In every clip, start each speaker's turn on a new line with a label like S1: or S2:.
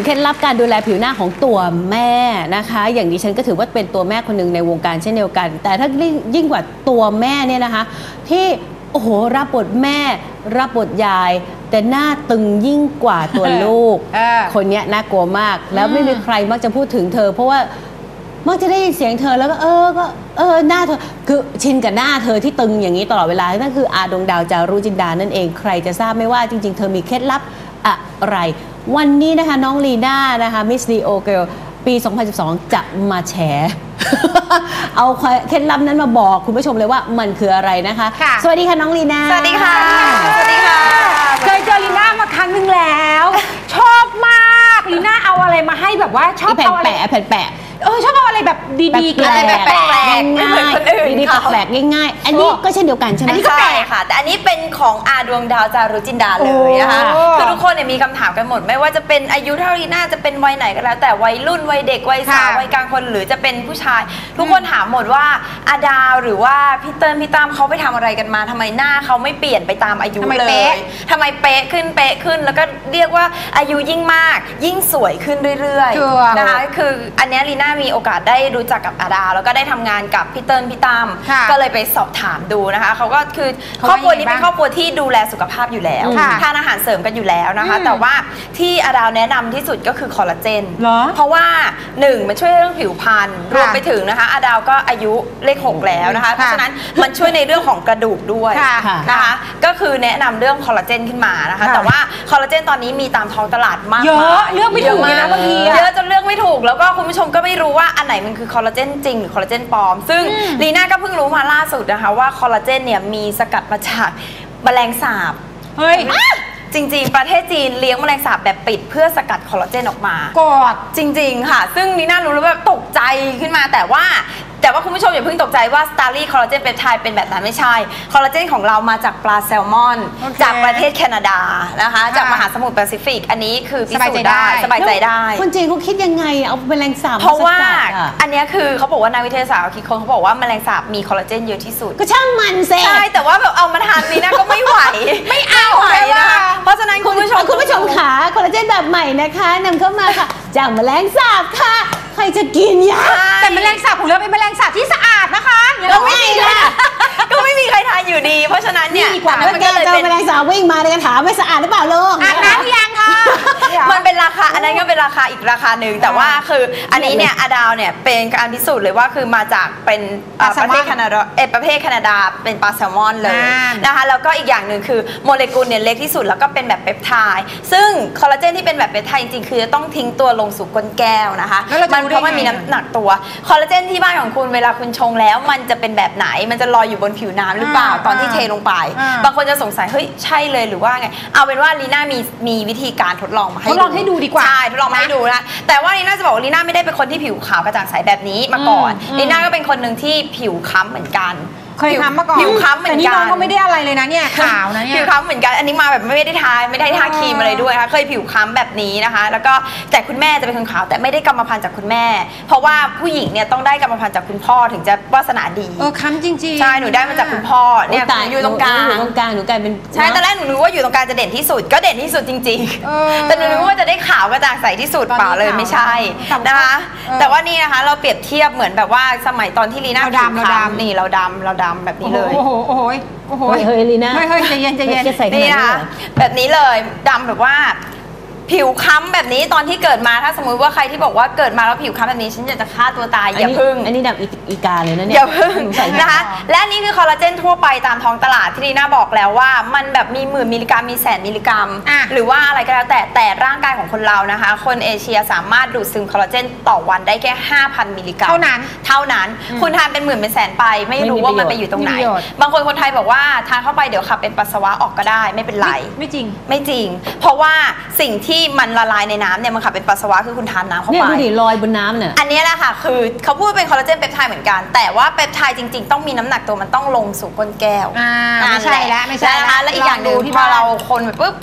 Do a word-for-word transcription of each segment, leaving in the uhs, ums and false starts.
S1: เคล็ดลับการดูแลผิวหน้าของตัวแม่นะคะอย่างดิฉันก็ถือว่าเป็นตัวแม่คนหนึ่งในวงการเช่นเดียวกันแต่ถ้ายิ่งกว่าตัวแม่เนี่ยนะคะที่โอ้โหรับบทแม่รับบทยายแต่หน้าตึงยิ่งกว่าตัวลูก คนนี้น่ากลัวมากแล้วไม่มีใครมักจะพูดถึงเธอเพราะว่ามักจะได้ยินเสียงเธอแล้วก็เออก็เออหน้าเธอคือชินกับหน้าเธอที่ตึงอย่างนี้ตลอดเวลานั่นคืออาดวงดาวจารุจินดานั่นเองใครจะทราบไม่ว่าจริงๆเธอมีเคล็ดลับอะไรวันนี้นะคะน้องลีน่านะคะมิสลีโอเกิลปีสองพันสิบสองจะมาแฉ เอาเคล็ดลับนั้นมาบอกคุณผู้ชมเลยว่ามันคืออะไรนะคะสวัสดีค่ะน้องลีน่า
S2: สวัสดีค่ะสวัสดีค่ะ
S3: เคยเจอลีน่ามาครั้งหนึ่งแล้วชอบมากลีน่าเอาอะไรมาให้แบบว่าชอบเอาอะไร
S1: แผ่นแปะ
S3: เออชอบเอาอะไรแบบดีๆ
S2: อะไรแบบแปลกๆไม่เหมือนคนอื่น
S1: ดีๆแปลกๆง่ายๆอันนี้ก็เช่นเดียวกันใช่ไหม
S2: อันนี้ก็แปลกค่ะแต่อันนี้เป็นของอาดวงดาวจารุจินดาเลยนะคะคือทุกคนเนี่ยมีคำถามกันหมดไม่ว่าจะเป็นอายุเท่าลีน่าจะเป็นวัยไหนก็แล้วแต่วัยรุ่นวัยเด็กวัยสาววัยกลางคนหรือจะเป็นผู้ชายทุกคนถามหมดว่าอาดาวหรือว่าพี่เติ้ลพี่ตั้มเขาไปทำอะไรกันมาทำไมหน้าเขาไม่เปลี่ยนไปตามอายุเลยทำไมเป๊ะขึ้นเป๊ะขึ้นแล้วก็เรียกว่าอายุยิ่งมากยิ่งสวยขึ้นเรื่อยๆนะคะคืออันนี้ลีน่ามีโอกาสได้รู้จักกับอาดาวแล้วก็ได้ทำงานกับพี่เติ้ลพี่ตั้มก็เลยไปสอบถามดูนะคะเขาก็คือครอบครัวนี้เป็นครอบครัวที่ดูแลสุขภาพอยู่แล้วทานอาหารเสริมกันอยู่แล้วนะคะแต่ว่าที่อาดาวแนะนำที่สุดก็คือคอลลาเจนเพราะว่าหนึ่งมันช่วยเรื่องผิวพรรณรวมไปถึงนะคะอาดาวก็อายุเลขหกแล้วนะคะเพราะฉะนั้นมันช่วยในเรื่องของกระดูกด้วยนะคะก็คือแนะนำเรื่องคอลลาเจนขึ้นมานะคะแต่ว่าคอลลาเจนตอนนี้มีตามท้องตลาดมาก
S3: เยอะเลือกไม่ถูกเลยนะบางที
S2: เยอะจนเลือกไม่ถูกแล้วก็คุณผู้ชมก็ไม่รู้ว่าอันไหนมันคือคอลลาเจนจริงหรือคอลลาเจนปลอมซึ่งลีน่าก็เพิ่งรู้มาล่าสุดนะคะว่าคอลลาเจนเนี่ยมีสกัดมาจากแมลงสาบ
S3: เฮ้ย
S2: จริงๆประเทศจีนเลี้ยงแมลงสาบแบบปิดเพื่อสกัดคอลลาเจนออกมาก
S3: อด
S2: จริงๆค่ะซึ่งลีน่ารู้แล้วแบบตกใจขึ้นมาแต่ว่าแต่ว่าคุณผู้ชมอย่าเพิ่งตกใจว่าสตาร์ลี่คอลลาเจนเปปไทด์เป็นแบบนั้นไม่ใช่คอลลาเจนของเรามาจากปลาแซลมอน okay. จากประเทศแคนาดานะคะจากมหาสมุทรแปซิฟิกอันนี้คือพิสูจน์ได้สบายใจได้
S1: คนจีนเขาคิดยังไงเอาแมลงสาบ
S2: เพราะว่าอันนี้คือเขาบอกว่านักวิทยาศาสตร์คิดคนเขาบอกว่าแมลงสาบมีคอลลาเจนเยอะที่สุด
S1: ก็ช่างมันเซ่
S2: ใช่แต่ว่าแบบเอามาทานนี้นะก็ไม่ไหว
S3: ไม่เอา
S2: เลยนะคะเพราะฉะนั้นคุณผู้ชม
S1: คุณผู้ชมขาคอลลาเจนแบบใหม่นะคะนำเข้ามาค่ะจากแมลงสาบค่ะใครจะกินยา
S3: แต่แมลงสาบของเราเป็นแมลงสาบที่สะอาดนะคะ
S2: ก็ไม่มีค่ะก็ไม่มีใครทานอยู่ดีเพราะฉะนั้นเนี่ย
S1: มันก็เลยเป็นแมลงสาบวิ่งมาในกระถางไม่สะอาดหรือเปล่าลูก
S3: อาบน้ำยังค่ะ
S2: มันเป็นราคาอันนั้นก็เป็นราคาอีกราคาหนึ่งแต่ว่าคืออันนี้เนี่ยอาดาวเนี่ยเป็นการพิสูจน์เลยว่าคือมาจากเป็นประเทศแคนาดาเอประเทศแคนาดาเป็นปลาแซลมอนเลยนะคะแล้วก็อีกอย่างหนึ่งคือโมเลกุลเนี่ยเล็กที่สุดแล้วก็เป็นแบบเปปไทด์ซึ่งคอลลาเจนที่เป็นแบบเปปไทด์จริงๆคือจะต้องทิ้งตัวลงสู่ก้นแก้วนะคะมันเพราะมันมีน้ำหนักตัวคอลลาเจนที่บ้านของคุณเวลาคุณชงแล้วมันจะเป็นแบบไหนมันจะลอยอยู่บนผิวน้ำหรือเปล่าตอนที่เทลงไปบางคนจะสงสัยเฮ้ยใช่เลยหรือว่าไงเอาเป็นว่าลีน่ามีมีวิธีการทดลองมาให้
S3: ทดลองให้ดูดีกว่า
S2: ใช่ทดลองมาให้ดูนะแต่ว่าลีน่าจะบอกว่าลีน่าไม่ได้เป็นคนที่ผิวขาวกระจ่างใสแบบนี้มาก่อนลีน่าก็เป็นคนหนึ่งที่ผิวค้ำเหมือนกัน
S3: เคยค้ำมาก่อน
S2: ผิวค้ำเหมือนกันแต่
S3: นี่น้องก็ไม่ได้อะไรเลยนะเนี่ยขาวนะเนี่ย
S2: ผิวค้ำเหมือนกันอันนี้มาแบบไม่ได้ทาไม่ได้ทาครีมอะไรด้วยนะคะเคยผิวค้ำแบบนี้นะคะแล้วก็แต่คุณแม่จะเป็นคนขาวแต่ไม่ได้กรรมพันธุ์จากคุณแม่เพราะว่าผู้หญิงเนี่ยต้องได้กรรมพันธุ์จากคุณพ่อถึงจะวาสนาดี
S3: เออค้ำจริงๆ
S2: ใช่หนูได้มาจากคุณพ่อเนี่ยอยู่ตรงกลาง
S1: อยู่ตรงกลางหนูกลายเป็น
S2: ใช่ตอนแรกหนูรู้ว่าอยู่ตรงกลางจะเด่นที่สุดก็เด่นที่สุดจริงๆแต่หนูรู้ว่าจะได้ขาวกระจ่างใสที่สุดเปล่าเลยไม่ใช่นะคะแต่ว่านี่นะคะเราเปรียบเทียบเหมือนแบบว่าสมัยตอนที่ลีน่าผิวค้ำนี่เราดำเราดำแบบนี้เลย
S3: โอ้โหโอ้โหโอ้โห
S1: เฮ้ยลีน่า
S3: เฮ้ยเฮ้ยใจเย็นใจเย็น
S2: นี่นะคะแบบนี้เลยดำแบบว่าผิวค้ำแบบนี้ตอนที่เกิดมาถ้าสมมุติว่าใครที่บอกว่าเกิดมาแล้วผิวค้ำแบบนี้ฉันอยากจะฆ่าตัวตายอย่าพึ่ง
S1: อันนี้ดำอีกาเลยนะเนี่ย
S2: อย่าพึ่งนะคะและนี่คือคอลลาเจนทั่วไปตามท้องตลาดที่ลีน่าบอกแล้วว่ามันแบบมีหมื่นมิลลิกรัมมีแสนมิลลิกรัมหรือว่าอะไรก็แล้วแต่แต่ร่างกายของคนเรานะคะคนเอเชียสามารถดูดซึมคอลลาเจนต่อวันได้แค่ ห้าพัน มิลลิกรัม
S3: เท่านั้น
S2: เท่านั้นคุณทานเป็นหมื่นเป็นแสนไปไม่รู้ว่ามันไปอยู่ตรงไหนบางคนคนไทยบอกว่าทานเข้าไปเดี๋ยวขับเป็นปัสสาวะออกก็ได้ไม่เป็นไร
S3: ไม่จริง
S2: ไม่จริงเพราะว่าสิ่งที่มันละลายในน้ำเนี่ยมันขับเป็นปัสสาวะคือคุณทานน้ำเข้าไป
S1: เนี่ยดูดิลอยบนน้ำเนี่ย
S2: อันนี้แหละค่ะคือเขาพูดเป็นคอลลาเจนเปปไทด์เหมือนกันแต่ว่าเปปไทด์จริงๆต้องมีน้ำหนักตัวมันต้องลงสู่ก้นแก้ว
S3: ไม่ใช่แล้วไม่ใช่
S2: นะคะและอีกอย่างหนึ่งพอเราคนไปปุ๊บ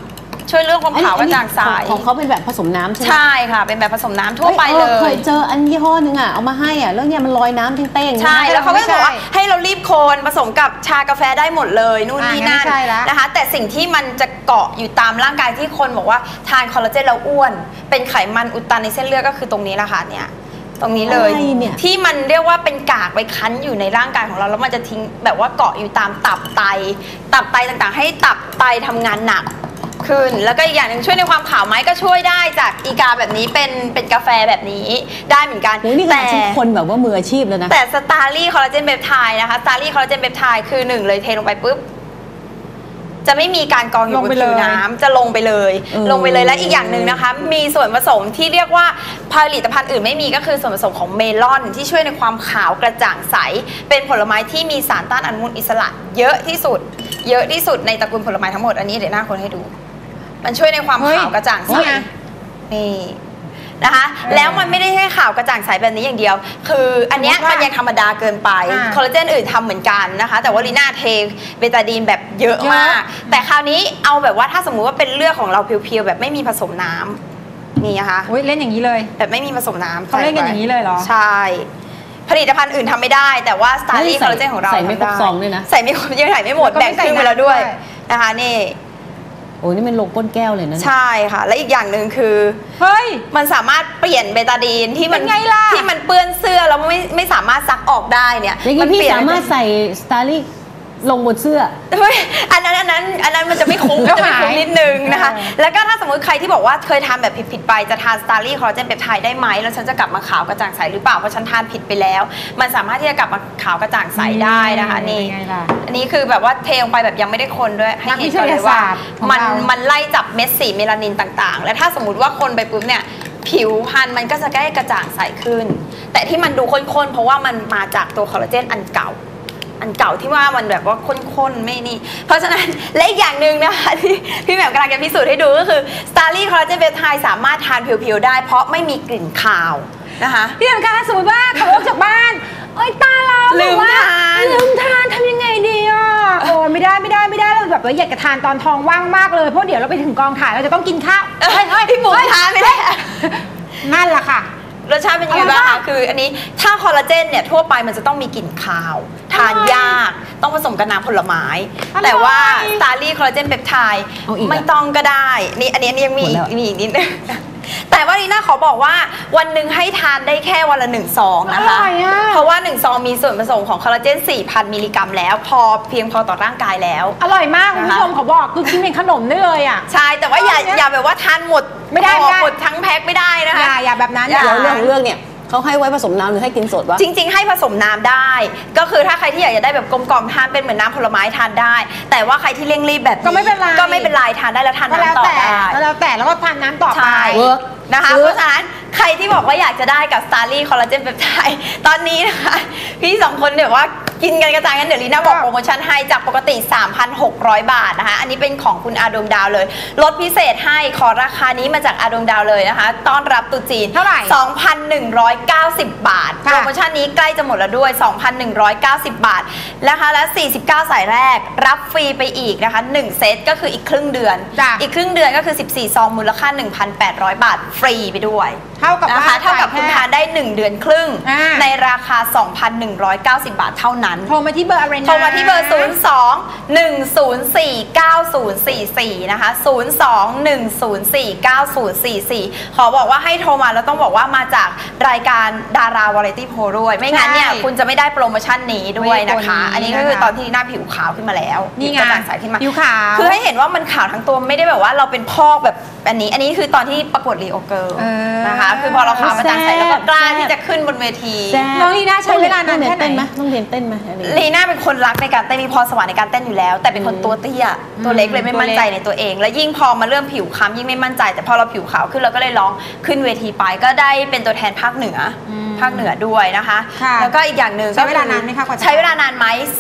S2: ช่วยเรื่องความขาวกระจ่างใส
S1: ของเขาเป็นแบบผสมน้ำใช่ไหม
S2: ใช่ค่ะเป็นแบบผสมน้ำทั่วไปเล
S1: เค
S2: ย
S1: ยเจออันยี่ห้อนึงอ่ะเอามาให้อ่ะแล้วเนี่ยมันลอยน้ำเต้งๆ
S2: ใช่แล้วเขาก็จะบอกว่าให้เรารีบโคนผสมกับชากาแฟได้หมดเลยนู่นนี่นั่นนะคะแต่สิ่งที่มันจะเกาะอยู่ตามร่างกายที่คนบอกว่าทานคอลลาเจนแล้วอ้วนเป็นไขมันอุดตันในเส้นเลือดก็คือตรงนี้แหละค่ะเนี่ยตรงนี้เลยที่มันเรียกว่าเป็นกากไปคั้นอยู่ในร่างกายของเราแล้วมันจะทิ้งแบบว่าเกาะอยู่ตามตับไตตับไตต่างๆให้ตับไตทำงานหนักขึ้นแล้วก็อีกอย่างหนึ่งช่วยในความขาวไหมก็ช่วยได้จากอีกาแบบนี้เป็นเป็นกาแฟแบบนี้ได้เหมือนกัน
S1: แต่คนแบบว่ามืออาชีพแล้วนะ
S2: แต่สตาร์ลี่คอลลาเจนเปปไทด์นะคะสตาร์ลี่คอลลาเจนเปปไทด์คือหนึ่งเลยเทลงไปปุ๊บจะไม่มีการกองอยู่บนผิวน้ำจะลงไปเลยลงไปเลยและอีกอย่างหนึ่งนะคะมีส่วนผสมที่เรียกว่าผลิตภัณฑ์อื่นไม่มีก็คือส่วนผสมของเมลอนที่ช่วยในความขาวกระจ่างใสเป็นผลไม้ที่มีสารต้านอนุมูลอิสระเยอะที่สุดเยอะที่สุดในตระกูลผลไม้ทั้งหมดอันนี้เดี๋ยวหน้าคนให้ดูมันช่วยในความขาวกระจ่างใสนี่นะคะแล้วมันไม่ได้แค่ขาวกระจ่างใสแบบนี้อย่างเดียวคืออันเนี้ยมันยังธรรมดาเกินไปคอลลาเจนอื่นทำเหมือนกันนะคะแต่ว่าลีน่าเทเบตาดีนแบบเยอะมากแต่คราวนี้เอาแบบว่าถ้าสมมุติว่าเป็นเลือดของเราเพียวๆแบบไม่มีผสมน้ำนี่นะคะ
S3: เล่นอย่างนี้เลย
S2: แบบไม่มีผสมน้ำ
S3: เขาเล่นกันอย่างนี้เลยเหรอ
S2: ใช่ผลิตภัณฑ์อื่นทำไม่ได้แต่ว่าสตาร์ลี่คอลลาเจนของเรา
S1: ใส่ไม่ครบซองด้วยนะ
S2: ใส่ไม่ครบยังใส่ไม่หมดแบ่งครึ่งไปแล้วด้วยนะคะนี่
S1: โอ้นี่มันลงก้นแก้วเลยนะ
S2: ใช่ค่ะและอีกอย่างหนึ่งคือ
S3: เฮ้ย
S2: มันสามารถเปลี่ยนเบตาดีนที่มันที่มันเปื้อนเสื้อแล้วไม่ไม่สามารถซักออกได้เนี่ย
S1: อย่างนี้พี่สามารถใส่สตาร์ลี่ลงบนเสื้อ
S2: อันนั้นอันนั้นอันนั้นมันจะไม่คุ้มจะไม่คุ้มนิดนึงนะคะแล้วก็ถ้าสมมติใครที่บอกว่าเคยทานแบบผิดๆไปจะทานสตาร์ลี่คอลลาเจนเปปไทด์ได้ไหมแล้วฉันจะกลับมาขาวกระจ่างใสหรือเปล่าเพราะฉันทานผิดไปแล้วมันสามารถที่จะกลับมาขาวกระจ่างใสได้นะคะนี่อันนี้คือแบบว่าเทลงไปแบบยังไม่ได้คนด้วยให้เห็นก่อนเลยว่ามันมันไล่จับเม็ดสีเมลานินต่างๆและถ้าสมมติว่าคนไปปุ๊บเนี่ยผิวพรรณมันก็จะใกล้กระจ่างใสขึ้นแต่ที่มันดูข้นๆเพราะว่ามันมาจากตัวคอลลาเจนอันเก่าอันเก่าที่ว่ามันแบบว่าข้นๆไม่นี่เพราะฉะนั้นและอีกอย่างหนึ่งนะคะที่พี่แหม่มกำลังจะพิสูจน์ให้ดูก็คือสตาร์ลี่คอลลาเจนเปปไทด์สามารถทานเพียวๆได้เพราะไม่มีกลิ่นคาวนะคะ
S3: พี่แหม่มคะสมมติว่าขับรถจากบ้านเอ้ยตาเรา
S2: ลืมทาน
S3: ลืมทานทำยังไงดีอ่ะโอ้ไม่ได้ไม่ได้ไม่ได้เราแบบว่าอยากจะทานตอนท้องว่างมากเลยเพราะเดี๋ยวเราไปถึงกองถ่ายเราจะต้องกินข้าว
S2: เฮ้ยเฮ้ยพี่บุ๋มทานไม่ได้
S3: นั่นแหละค่ะ
S2: รสชาติเป็นยังไงบ้างคะคืออันนี้ถ้าคอลลาเจนเนี่ยทั่วไปมันจะต้องมีกลิ่นคาวทานยากต้องผสมกับน้ำผลไม้แต่ว่าสตาร์ลี่คอลลาเจนเปปไทด์ไม่ต้องก็ได้นี่อันนี้ยังมีมีอีกนิดนึงแต่ว่าลีน่าขอบอกว่าวันหนึ่งให้ทานได้แค่วันละหนึ่งซองนะคะเพราะว่าหนึ่งซองมีส่วนผสมของคอลลาเจน สี่พัน มิลลิกรัมแล้วพอเพียงพอต่อร่างกายแล้ว
S3: อร่อยมากคุณผู้ชมขอบอกคือกินเป็นขนมได้เลยอ่ะ
S2: ใช่แต่ว่าอย่าอย่าแบบว่าทานหมด
S3: ไม่ได้
S2: หมดทั้งแพ็คไม่ได้นะคะ
S3: อย่าอย่าแบบนั้น
S1: เดี๋ยวเรื่องของเรื่องเนี่ยเขาให้ไว้ผสมน้ำหรือให้กินสดวะ
S2: จริงๆให้ผสมน้ำได้ก็คือถ้าใครที่อยากจะได้แบบกลมกล่อมทานเป็นเหมือนน้ำผลไม้ทานได้แต่ว่าใครที่เร่งรีบแบบ
S3: ก็ไม่เป็นไร
S2: ก็ไม่เป็นไรทานได้แล้วทานน้ำต่อได้
S3: ก็แล้วแต่แล้วก็ทานน้ำต่อไป
S2: นะคะเพราะฉะนั้นใครที่บอกว่าอยากจะได้กับสตาร์ลี่คอลลาเจนเปปไทด์ตอนนี้นะคะพี่สองคนเดี๋ยวว่ากินกันกระจายกันเดี๋ยวลีน่าบอกโปรโมชั่นให้จากปกติ สามพันหกร้อย บาทนะคะอันนี้เป็นของคุณอาดวงดาวเลยลดพิเศษให้ขอราคานี้มาจากอาดวงดาวเลยนะคะต้อนรับตุ๊จีน
S3: เท่าไหร่
S2: สองพันหนึ่งร้อยเก้าสิบ บาทโปรโมชั่นนี้ใกล้จะหมดแล้วด้วย สองพันหนึ่งร้อยเก้าสิบ บาทนะคะและสี่สิบเก้าสายแรกรับฟรีไปอีกนะคะหนึ่งเซตก็คืออีกครึ่งเดือนอีกครึ่งเดือนก็คือสิบสี่ซองมูลค่า หนึ่งพันแปดร้อย บาทฟรีไปด้วย
S3: เท่ากับ
S2: นะคะเท่ากับคุณทานได้หนึ่งเดือนครึ่งในราคา สองพันหนึ่งร้อยเก้าสิบ บาทเท่านั้น
S3: โทรมาที่เบอร์อะไรนะ
S2: โทรมาที่เบอร์ศูนย์ สอง หนึ่ง ศูนย์ สี่ เก้า ศูนย์ สี่ สี่นะคะศูนย์ สอง หนึ่ง ศูนย์ สี่ เก้า ศูนย์ สี่ สี่ขอบอกว่าให้โทรมาแล้วต้องบอกว่ามาจากรายการดาราวาไรตี้โพลด้วยไม่งั้นเนี่ยคุณจะไม่ได้โปรโมชั่นนี้ด้วยนะคะอันนี้ก็คือตอนที่หน้าผิวขาวขึ้นมาแล้ว
S3: นี่ไง
S2: ใสขึ้นมา
S3: ผิวขาว
S2: คือให้เห็นว่ามันขาวทั้งตัวไม่ได้แบบว่าเราเป็นพอกแบบอันนี้อันนี้คือตอนที่ประกวดรีโอเกิร์ลนะคะคือพอเราขาวมาจางใสแล้วก็กล้าที่จะขึ้นบนเวที
S3: น้องลีน่าใช้เวลานานแค่ไหน
S1: ต้องเรียนเต้นไหม
S2: ลีน่าเป็นคนรักในการเต้นมีพรสวรรค์ในการเต้นอยู่แล้วแต่เป็นคนตัวเตี้ยตัวเล็กเลยไม่มั่นใจในตัวเองและยิ่งพอมาเริ่มผิวคล้ำยิ่งไม่มั่นใจแต่พอเราผิวขาวขึ้นเราก็เลยร้องขึ้นเวทีไปก็ได้เป็นตัวแทนภาคเหนือภาคเหนือด้วยนะคะแล้วก็อีกอย่างหนึ่ง
S3: ใช้เวลานานไหมคะ
S2: ใช้เวลานานไหมสิบ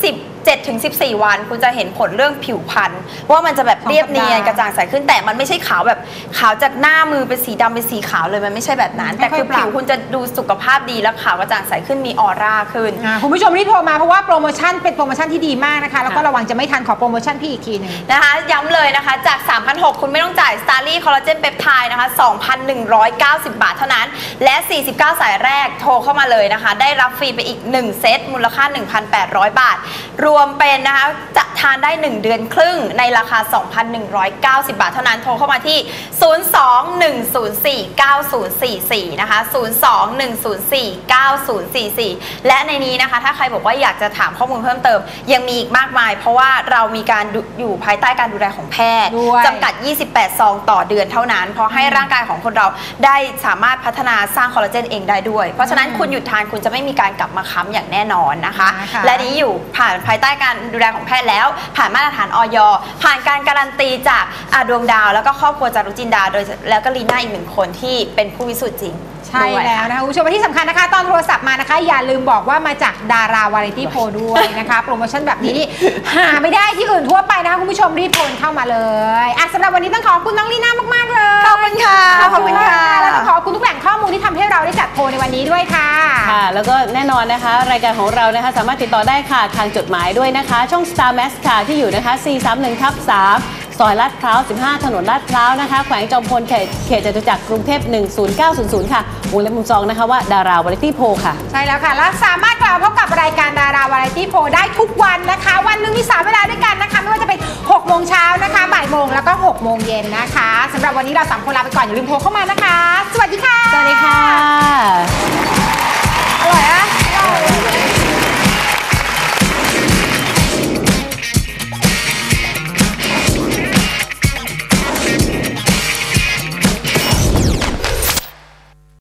S2: เจ็ดถึงสิบสี่ วันคุณจะเห็นผลเรื่องผิวพรรณว่ามันจะแบบเรียบเนียนกระจ่างใสขึ้นแต่มันไม่ใช่ขาวแบบขาวจากหน้ามือเป็นสีดำเป็นสีขาวเลยมันไม่ใช่แบบนั้นแต่คือผิวคุณจะดูสุขภาพดีและขาวกระจ่างใสขึ้นมีออร่าขึ้น
S3: คุณผู้ชมรีบโทรมาเพราะว่าโปรโมชั่นเป็นโปรโมชั่นที่ดีมากนะคะแล้วก็ระวังจะไม่ทันขอโปรโมชั่นพี่อีกทีหนึง
S2: นะคะย้ำเลยนะคะจาก สามพันหกร้อย คุณไม่ต้องจ่ายสตาร์ลี่คอลลาเจนเปปไทด์นะคะ สองพันหนึ่งร้อยเก้าสิบ บาทเท่านั้นและสี่สิบเก้าสายแรกโทรเข้ามาเลยนะคะได้รับฟรีไปอีกหนึ่งเซตมูลค่า หนึ่งพันแปดร้อย บาทรวมเป็นนะคะจะทานได้หนึ่งเดือนครึ่งในราคา สองพันหนึ่งร้อยเก้าสิบ บาทเท่านั้นโทรเข้ามาที่ศูนย์ สอง หนึ่ง ศูนย์ สี่ เก้า ศูนย์ สี่ สี่นะคะศูนย์ สอง หนึ่ง ศูนย์ สี่ เก้า ศูนย์ สี่ สี่และในนี้นะคะถ้าใครบอกว่าอยากจะถามข้อมูลเพิ่มเติมยังมีอีกมากมายเพราะว่าเรามีการอยู่ภายใต้การดูแลของแพทย์จำกัดยี่สิบแปดซองต่อเดือนเท่านั้นเพราะให้ร่างกายของคนเราได้สามารถพัฒนาสร้างคอลลาเจนเองได้ด้วยเพราะฉะนั้นคุณหยุดทานคุณจะไม่มีการกลับมาค้ำอย่างแน่นอนนะคะและนี้อยู่ผ่านภายใต้การดูแลของแพทย์แล้วผ่านมาตรฐานอย.ผ่านการการันตีจากอาดวงดาวแล้วก็ครอบครัวจารุจินดาโดยแล้วก็ลีน่าอีกหนึ่งคนที่เป็นผู้พิสูจน์จริง
S3: ใช่แล้วนะคะคุณผู้ชมที่สำคัญนะคะตอนโทรศัพท์มานะคะอย่าลืมบอกว่ามาจากดาราวาไรตี้โพลด้วยนะคะโปรโมชั่นแบบนี้นี่หาไม่ได้ที่อื่นทั่วไปนะคะคุณผู้ชมรีบโทรเข้ามาเลยอ่ะสำหรับวันนี้ต้องขอบคุณน้องลีน่ามากๆเลย
S2: ขอบคุณค่ะ
S3: ขอบคุณค่ะแล้วก็ขอบคุณทุกแหล่งข้อมูลที่ทำให้เราได้จัดโพลในวันนี้ด้วยค่ะ
S1: ค่ะแล้วก็แน่นอนนะคะรายการของเรานะคะสามารถติดต่อได้ค่ะทางจดหมายด้วยนะคะช่อง Star Max ค่ะที่อยู่นะคะ สี่ สาม หนึ่ง ทับ สาม ซอยลาดพร้าว สิบห้า ถนนลาดพร้าวนะคะแขวงจอมพลเขตเขตจตุจักรกรุงเทพหนึ่งศูนย์เก้าศูนย์ศูนย์ค่ะวงเล็บมุมซองนะคะว่าดาราวาไรตี้โพลค่ะ
S3: ใช่แล้วค่ะและสามารถกลับมาพบกับรายการดาราวาไรตี้โพลได้ทุกวันนะคะวันหนึ่งมีสามเวลาด้วยกันนะคะไม่ว่าจะเป็นหกโมงเช้านะคะบ่ายโมงแล้วก็หกโมงเย็นนะคะสำหรับวันนี้เราสามคนลาไปก่อนอย่าลืมโทรเข้ามานะคะสวัสดีค่ะ
S1: สวัสดีค่ะ
S3: อร่อยอะ